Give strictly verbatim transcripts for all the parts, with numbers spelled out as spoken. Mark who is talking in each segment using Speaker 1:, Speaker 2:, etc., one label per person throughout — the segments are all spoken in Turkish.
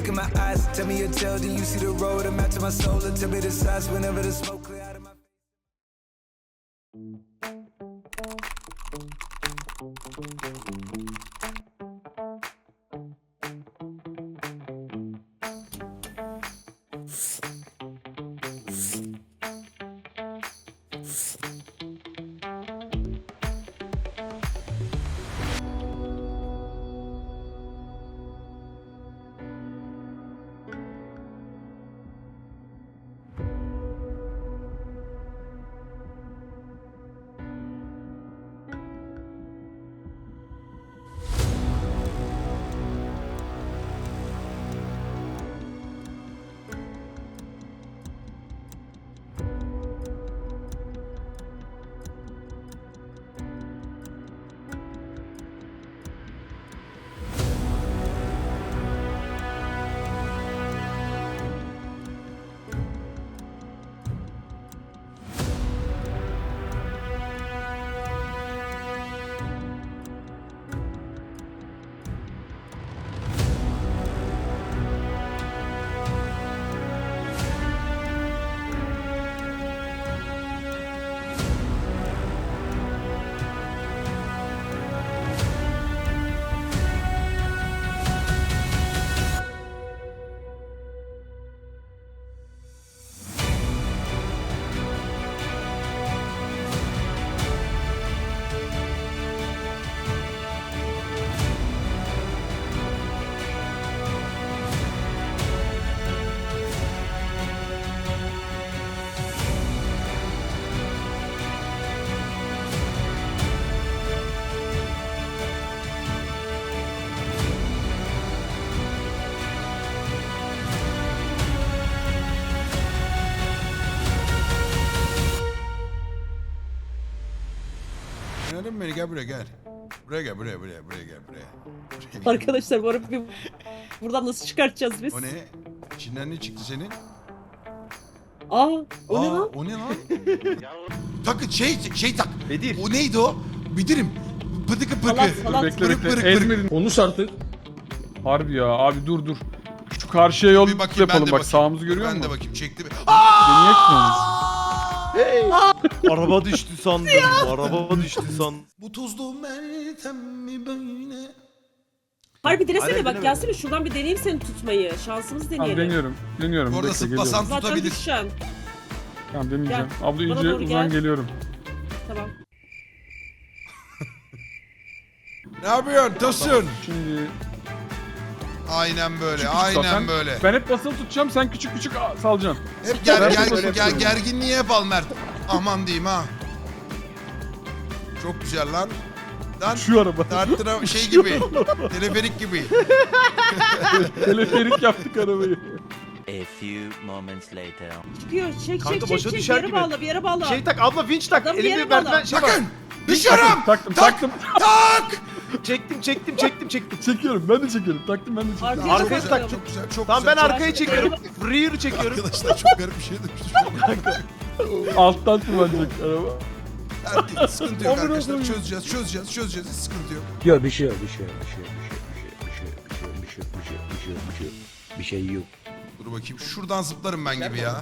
Speaker 1: look in my eyes, tell me your tale, then you see the road, I'm out to my soul, and tell me the size whenever the smoke clear out of my
Speaker 2: Anladın mı beni? Gel buraya gel. Buraya gel, buraya, buraya, buraya gel, buraya. buraya.
Speaker 3: Arkadaşlar bu arada bir buradan nasıl çıkartacağız biz?
Speaker 2: O ne? İçinden ne çıktı senin?
Speaker 3: Aa, o
Speaker 2: Aa,
Speaker 3: ne lan?
Speaker 2: o ne lan? Takı şey, şey tak.
Speaker 4: Bedir.
Speaker 2: O neydi o? Bidirim. Pıdıkı pıkı.
Speaker 3: Salat, salat.
Speaker 5: Bekle
Speaker 2: Pırık
Speaker 5: bekle.
Speaker 2: pırık pırık.
Speaker 5: Ezmedin. Konuş artık. Harbi ya abi dur dur. Şu karşıya yol
Speaker 2: Bir bakayım ben
Speaker 5: yapalım
Speaker 2: de
Speaker 5: bak
Speaker 2: bakayım.
Speaker 5: sağımızı görüyor
Speaker 2: Ben de
Speaker 5: musun?
Speaker 2: bakayım çekti mi?
Speaker 5: Beni yakmıyorsunuz.
Speaker 4: Hey. Araba düştü sandım. Araba düştü sandım.
Speaker 2: Bu tuzlu meltem mi böyle?
Speaker 3: Harbi denesene
Speaker 4: Aynen,
Speaker 3: bak
Speaker 4: denemedim.
Speaker 3: gelsene şuradan bir deneyeyim seni tutmayı. Şansımızı
Speaker 5: Tamam
Speaker 3: deneyelim.
Speaker 5: deniyorum. Deniyorum.
Speaker 2: Bu arada
Speaker 5: Bekle geliyorum.
Speaker 2: zıplasam
Speaker 3: Zaten
Speaker 2: tutabilir.
Speaker 3: düşeceksin.
Speaker 5: Tamam deneyeceğim.
Speaker 3: Gel,
Speaker 5: Abla
Speaker 3: bana
Speaker 5: iyice
Speaker 3: doğru
Speaker 5: uzan
Speaker 3: gel.
Speaker 5: geliyorum.
Speaker 3: Tamam.
Speaker 2: Ne yapıyorsun? Tosun.
Speaker 5: Şimdi
Speaker 2: Aynen böyle,
Speaker 5: küçük küçük
Speaker 2: aynen
Speaker 5: zaten.
Speaker 2: böyle.
Speaker 5: Ben hep basılı tutacağım sen küçük küçük a- salacaksın.
Speaker 2: Hep ger,
Speaker 5: Ben
Speaker 2: ger,
Speaker 5: de böyle
Speaker 2: ger,
Speaker 5: yapıyorum.
Speaker 2: gerginliği hep al Mert. Aman diyeyim ha. Çok güzel lan. Lan
Speaker 5: Şu araba.
Speaker 2: tartıra şey gibi. Teleferik gibi.
Speaker 5: Teleferik yaptık arabayı.
Speaker 6: A few moments later.
Speaker 3: Çıkıyor. Çek
Speaker 4: Kanka
Speaker 3: çek
Speaker 4: başa
Speaker 3: çek çek. Bir
Speaker 4: düşer
Speaker 3: yere
Speaker 4: gibi.
Speaker 3: bağla bir yere bağla.
Speaker 4: Şey tak abla vinç tak.
Speaker 3: Adam bir
Speaker 4: Elimde
Speaker 3: yere
Speaker 4: merdiven
Speaker 3: bağla.
Speaker 4: şey var.
Speaker 2: Bakın. Düşüyorum.
Speaker 5: Taktım
Speaker 2: Tak.
Speaker 5: taktım.
Speaker 2: Tak.
Speaker 4: Çektim çektim çektim çektim.
Speaker 5: Çekiyorum ben de çekiyorum. Taktım ben de çekiyorum.
Speaker 3: Arkaya
Speaker 4: Arkaya
Speaker 3: çok
Speaker 4: tak,
Speaker 3: bakıyorum.
Speaker 2: Çok güzel, çok
Speaker 4: Tamam ben
Speaker 2: güzel.
Speaker 4: arkaya çekiyorum. Rear çekiyorum.
Speaker 2: Arkadaşlar çok garip bir şey demiş.
Speaker 5: Alttan tırmanacak araba.
Speaker 2: Erkek, sıkıntı yok
Speaker 5: Amına
Speaker 2: arkadaşlar.
Speaker 5: koyayım.
Speaker 2: Çözeceğiz, çözeceğiz, çözeceğiz. Hiç sıkıntı yok.
Speaker 7: Yok bir şey yok, bir şey yok, bir şey yok, bir şey yok, bir şey yok, bir şey yok, bir şey yok, bir şey yok, bir şey yok, bir şey yok.
Speaker 2: Dur bakayım. Şuradan zıplarım ben gibi ya.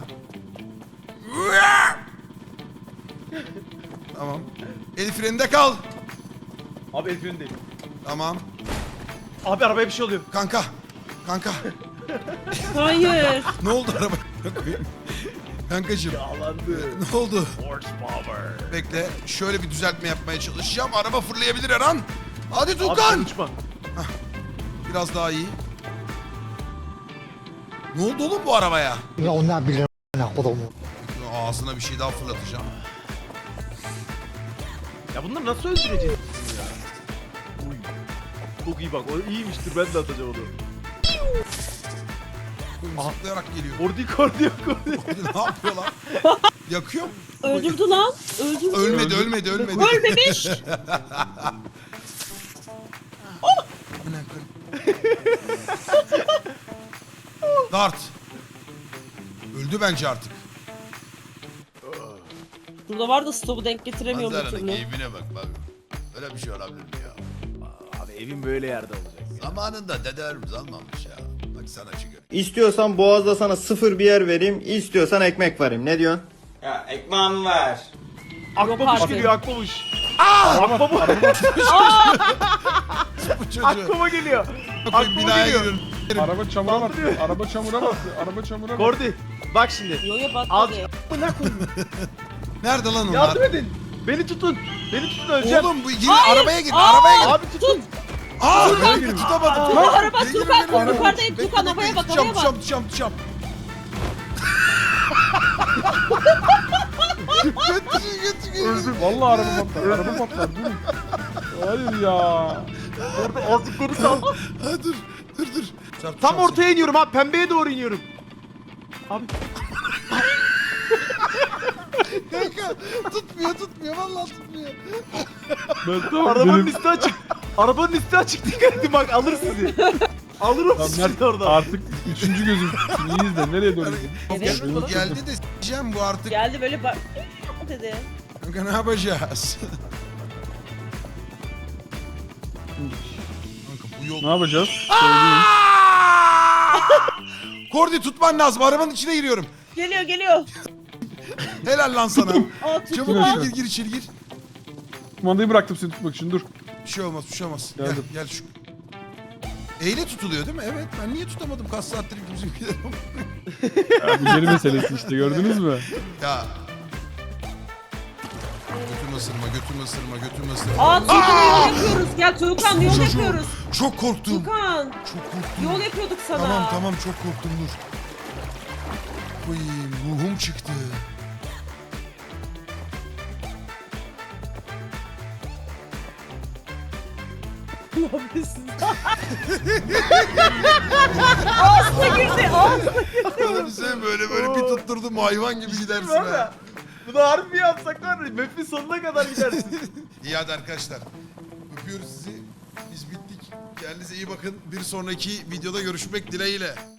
Speaker 2: Tamam. El freninde kal.
Speaker 4: Abi el freni değil.
Speaker 2: Tamam.
Speaker 4: Abi arabaya bir şey oluyor.
Speaker 2: Kanka. Kanka.
Speaker 3: Hayır.
Speaker 2: Ne oldu araba? Kankacığım.
Speaker 4: Yağlandı.
Speaker 2: Ne oldu?
Speaker 4: Horsepower.
Speaker 2: Bekle. Şöyle bir düzeltme yapmaya çalışacağım. Araba fırlayabilir her an. Hadi
Speaker 4: Abi
Speaker 2: Tukan.
Speaker 4: sen uçma.
Speaker 2: Biraz daha iyi. Ne oldu oğlum bu arabaya?
Speaker 7: Ya ondan bilirim ne kodumu.
Speaker 2: Ağzına bir şey daha fırlatacağım.
Speaker 4: Ya bunları nasıl öldüreceğiz ya? Uy. Çok iyi bak. O iyiymiştir. Ben de atacağım onu.
Speaker 2: Zıplayarak geliyor.
Speaker 4: Kordi kordi kordi.
Speaker 2: ne yapıyor lan? Yakıyor.
Speaker 3: Öldürdü lan. Öldürdü.
Speaker 2: Ölmedi, ölmedi, ölmedi.
Speaker 3: Ölmemiş.
Speaker 2: Amına koyayım. Dart. Öldü bence artık.
Speaker 3: Burada var da stopu denk getiremiyorum bir
Speaker 2: Manzaranın
Speaker 3: türlü.
Speaker 2: keyfine bak bak. Öyle bir şey olabilir mi ya?
Speaker 4: Abi evin böyle yerde olacak.
Speaker 2: Zamanında dedelerimiz almamış ya. Bak Hadi sana çıkıyor.
Speaker 8: İstiyorsan Boğaz'da sana sıfır bir yer vereyim, istiyorsan ekmek vereyim. Ne diyorsun?
Speaker 9: Ya ekmeğimi ver.
Speaker 4: Akbabuş
Speaker 3: artık.
Speaker 4: geliyor akbabuş.
Speaker 5: Araba, araba.
Speaker 2: Bu çocuğu.
Speaker 4: Akbaba geliyor.
Speaker 2: Bakayım
Speaker 4: Akbaba
Speaker 2: binaya
Speaker 4: geliyor.
Speaker 2: giriyorum.
Speaker 5: Araba çamura battı.
Speaker 4: Saldırıyor.
Speaker 5: Araba çamura battı. Araba çamura battı.
Speaker 4: Kordi bak şimdi.
Speaker 3: Yoya
Speaker 4: Al.
Speaker 3: batmadı.
Speaker 2: Nerede lan onlar?
Speaker 4: Yardım edin. Beni tutun. Beni tutun öleceğim.
Speaker 2: Oğlum bu gir,
Speaker 3: Hayır.
Speaker 2: arabaya gir,
Speaker 3: Aa!
Speaker 2: arabaya gir.
Speaker 4: Abi tutun.
Speaker 2: Aa,
Speaker 5: Arabaya
Speaker 2: ben
Speaker 5: girin.
Speaker 2: tutamadım.
Speaker 3: Aa, araba
Speaker 2: Gir, gir,
Speaker 3: Tukan,
Speaker 2: gir, gir.
Speaker 3: yukarıdayım,
Speaker 2: Bekle,
Speaker 3: Tukan,
Speaker 2: bekle,
Speaker 3: havaya bak,
Speaker 2: tutacağım,
Speaker 3: havaya bak.
Speaker 2: tutacağım, tutacağım, tutacağım. Götür, götür, götür.
Speaker 5: Öldüm. Vallahi araba patlar. Araba patlar. Dur. Hayır ya.
Speaker 4: Orada azıcık geri sal.
Speaker 2: Ha, dur, dur, dur. Çarp,
Speaker 4: Tam
Speaker 2: çarp,
Speaker 4: ortaya iniyorum abi. Pembeye doğru iniyorum. Abi.
Speaker 2: Kanka, tutmuyor, tutmuyor, vallahi tutmuyor.
Speaker 5: Ben tamam.
Speaker 4: Arabanın
Speaker 5: benim-
Speaker 4: üstü açık. Arabanın üstü açık. Dikkat edin bak alır sizi. Alır o
Speaker 5: Lan
Speaker 4: sizi
Speaker 5: Mert
Speaker 4: orada.
Speaker 5: artık üçüncü gözüm. Şimdi iyi izle. Nereye doğru gidiyorsun?
Speaker 3: Evet.
Speaker 2: Bu geldi de s**eceğim bu artık.
Speaker 3: Geldi böyle bak dedi.
Speaker 2: Kanka ne yapacağız? Kanka bu yol...
Speaker 5: Ne yapacağız? Söyleyeyim.
Speaker 2: Kordi tutman lazım, arabanın içine giriyorum.
Speaker 3: Geliyor geliyor.
Speaker 2: Helal lan sana.
Speaker 3: Aa tuttu
Speaker 2: Çabuk
Speaker 3: lan.
Speaker 2: gir, gir, gir içeri gir.
Speaker 5: Kumandayı bıraktım seni tutmak için. Dur.
Speaker 2: Bir şey olmaz, bir şey olmaz. Gel,
Speaker 5: Geldim.
Speaker 2: gel şu. Eyle tutuluyor değil mi? Evet, ben niye tutamadım kaç saattir bizimkiler?
Speaker 5: Ya, bu geri meselesi işte gördünüz mü?
Speaker 2: Ya. Götürme ısırma, götürme ısırma, götürme ısırma.
Speaker 3: Aa Tukan yol yapıyoruz. Gel Tukan yol
Speaker 2: Çocuğum,
Speaker 3: yapıyoruz.
Speaker 2: Çok korktum.
Speaker 3: Tukan
Speaker 2: Çok korktum.
Speaker 3: yol yapıyorduk sana.
Speaker 2: Tamam tamam çok korktum dur. Uy, ruhum çıktı.
Speaker 3: Ağzına girdi. Ağzına.
Speaker 2: Oğlum sen böyle böyle bir tutturdum hayvan gibi gidersin
Speaker 4: Var
Speaker 2: ha.
Speaker 4: ya. Bunu harbi mi yapsak var ya. Map'in sonuna kadar gidersin.
Speaker 2: İyi hadi arkadaşlar. Öpüyoruz sizi. Biz bittik. Kendinize iyi bakın. Bir sonraki videoda görüşmek dileğiyle.